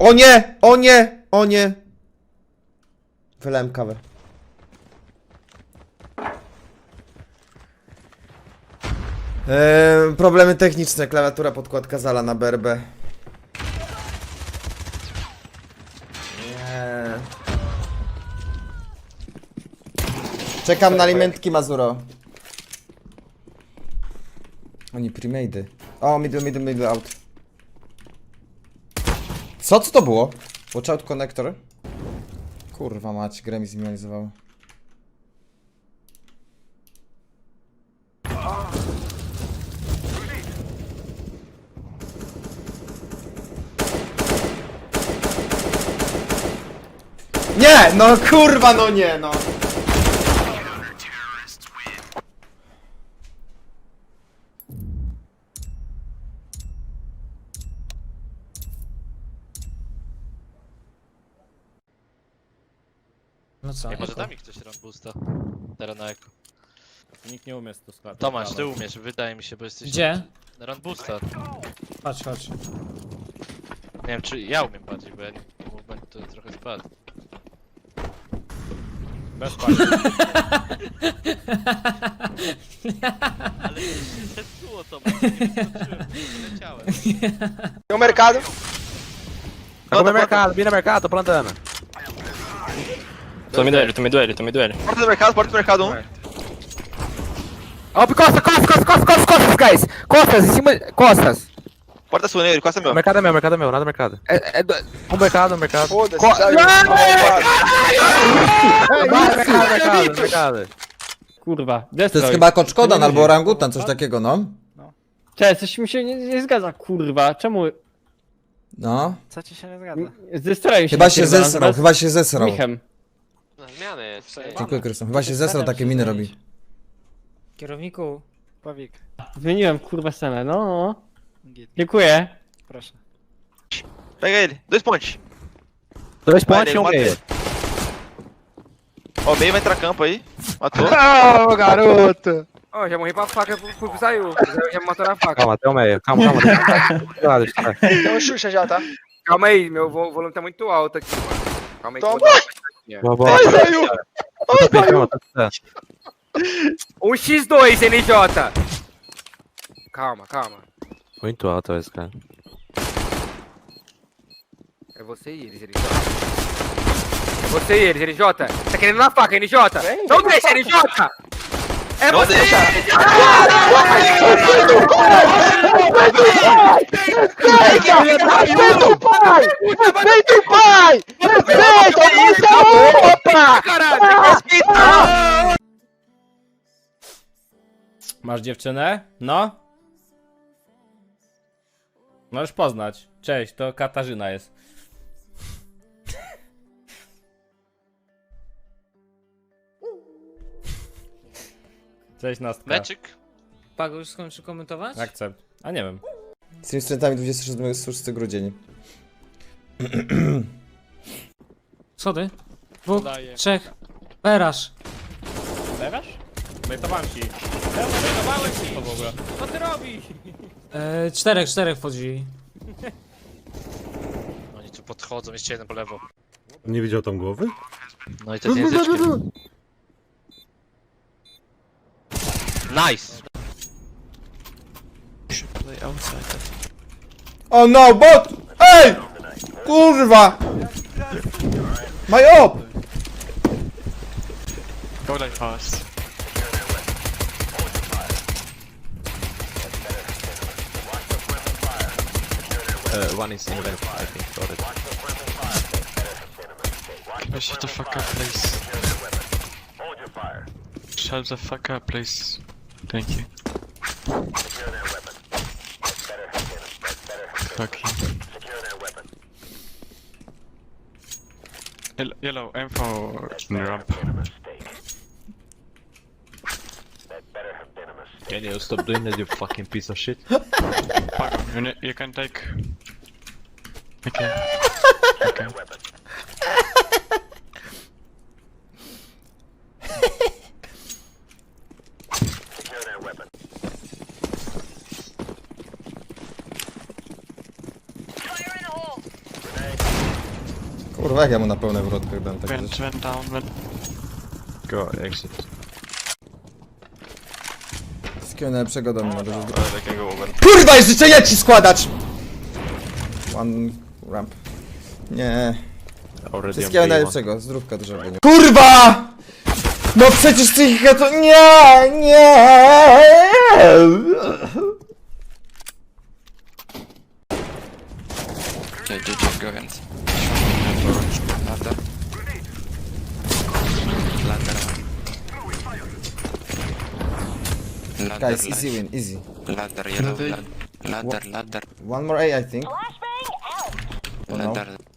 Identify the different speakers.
Speaker 1: O nie! O nie! O nie! Wylałem kawę. Problemy techniczne, klawiatura, podkładka Zala na BRB. Nie. Czekam na alimentki Mazuro. Oni premade'y. O, middle out. Co to było? Watch out connector. Kurwa mać, grę mi zminimalizowało. Nie! No kurwa, no nie, no!
Speaker 2: No co?
Speaker 3: Ej, może da mi ktoś run boosta? Teraz na eko.
Speaker 4: Nikt nie umie to składać.
Speaker 3: Tomasz, ty umiesz, wydaje mi się, bo jesteś...
Speaker 2: Gdzie?
Speaker 3: Run boosta.
Speaker 2: Chodź, chodź.
Speaker 3: Nie wiem, czy ja umiem bardziej, bo ja nie... movement to trochę spadł.
Speaker 4: Bez pali.
Speaker 3: Ale nie było to, nie wyskoczyłem, nie leciałem.
Speaker 5: Tem um mercado.
Speaker 6: Tô no mercado, vim no mercado, tô plantando.
Speaker 7: Tô me duele, tô me duele, tô me duele.
Speaker 5: Porta do mercado, um.
Speaker 6: Ó, costas, guys! Costas, em cima. Costas!
Speaker 5: Porta sua, nele, costa meu.
Speaker 6: Mercado é meu, nada mercado. Um mercado, mercado.
Speaker 5: Foda-se,
Speaker 6: Co-
Speaker 5: sabe?
Speaker 6: Mercado.
Speaker 4: Kurwa,
Speaker 1: To
Speaker 4: destroy.
Speaker 1: jest chyba koczkodan albo orangutan, coś takiego, no.
Speaker 4: Cześć, coś mi się nie zgadza, kurwa. Czemu?
Speaker 1: No.
Speaker 6: Co ci się nie zgadza?
Speaker 4: Zestroił się.
Speaker 1: Chyba się
Speaker 4: napierdala
Speaker 1: zesrał,
Speaker 4: zaraz
Speaker 1: chyba się zesrał.
Speaker 4: Michem.
Speaker 3: Na zmianę jest.
Speaker 1: Dziękuję, Krystian. Chyba się zesrał, takie miny robi.
Speaker 2: Kierowniku.
Speaker 6: Pawik.
Speaker 4: Zmieniłem kurwa scenę, no. Dziękuję.
Speaker 6: Proszę.
Speaker 5: Pega ele. 2 pontes.
Speaker 6: Dois
Speaker 5: Vai,
Speaker 6: pontos e um
Speaker 5: mata
Speaker 6: meia.
Speaker 5: ele. Ó, o meio vai entrar campo aí. Matou.
Speaker 6: Ô, garoto! Ó, já morri pra faca, saiu. Já me matou na faca. Calma, até o meia. Calma.
Speaker 5: Tem um Xuxa já, tá?
Speaker 6: Calma aí, meu volume tá muito alto aqui, mano. Calma aí.
Speaker 5: Toma.
Speaker 6: Ai,
Speaker 5: saiu!
Speaker 6: Um X2, NJ. Calma. Muito alto esse cara. É você e eles, NJ. É você e eles, NJ. Tá querendo na faca, NJ? Não deixa, NJ! É
Speaker 5: Não
Speaker 6: você!
Speaker 5: deixa.
Speaker 6: Respeita o pai! Respeita o pai! Respeita! Isso é opa! Caralho! Respeita!
Speaker 4: Masz dziewczynę? No? Możesz poznać. Cześć, to Katarzyna jest. Cześć, Nastka.
Speaker 3: Meczyk?
Speaker 2: Pago już skończy komentować?
Speaker 4: Akcept. A nie wiem.
Speaker 1: Z tymi studentami 26 grudzień.
Speaker 2: Schody. Dwóch,
Speaker 3: Daję.
Speaker 2: trzech. Berasz.
Speaker 4: Lewasz? Bejtowałem ci. Bejtowałem ci! To w ogóle. Co ty robisz?
Speaker 2: Czterech wchodzi.
Speaker 3: Oni tu podchodzą, jeszcze jeden po lewo.
Speaker 8: Nie widział tam głowy?
Speaker 3: No i to z języczkiem. Nice!
Speaker 1: O no, bot! Ej! Kurwa! My op!
Speaker 7: Go like fast.
Speaker 6: One is in the vent, I think. Got it.
Speaker 7: Shut the fuck up, please. Shut the fuck up, please. Thank you. Fuck you. Yellow, aim for the ramp.
Speaker 6: Can you stop doing that, you fucking piece of shit?
Speaker 7: Fuck, you can take... Okay. Okay.
Speaker 1: Kurwa, jak ja mu na pełne wrotkach dam tak
Speaker 7: Vent, vent down, vent. Go, exit.
Speaker 1: Wszystkiego najlepszego do mnie na razie. Kurwa, jest życzenia ci składać! One ramp. Nie. Wszystkiego najlepszego, zdrówka dużo nie. Kurwa! No przecież psychika to... Nie! Nie!
Speaker 7: Okay, GG, go vent. Ladder. Ladder. Ladder,
Speaker 1: Guys, easy win, easy.
Speaker 7: Ladder, yellow, ladder, ladder.
Speaker 1: One more A, I think.
Speaker 7: Ladder.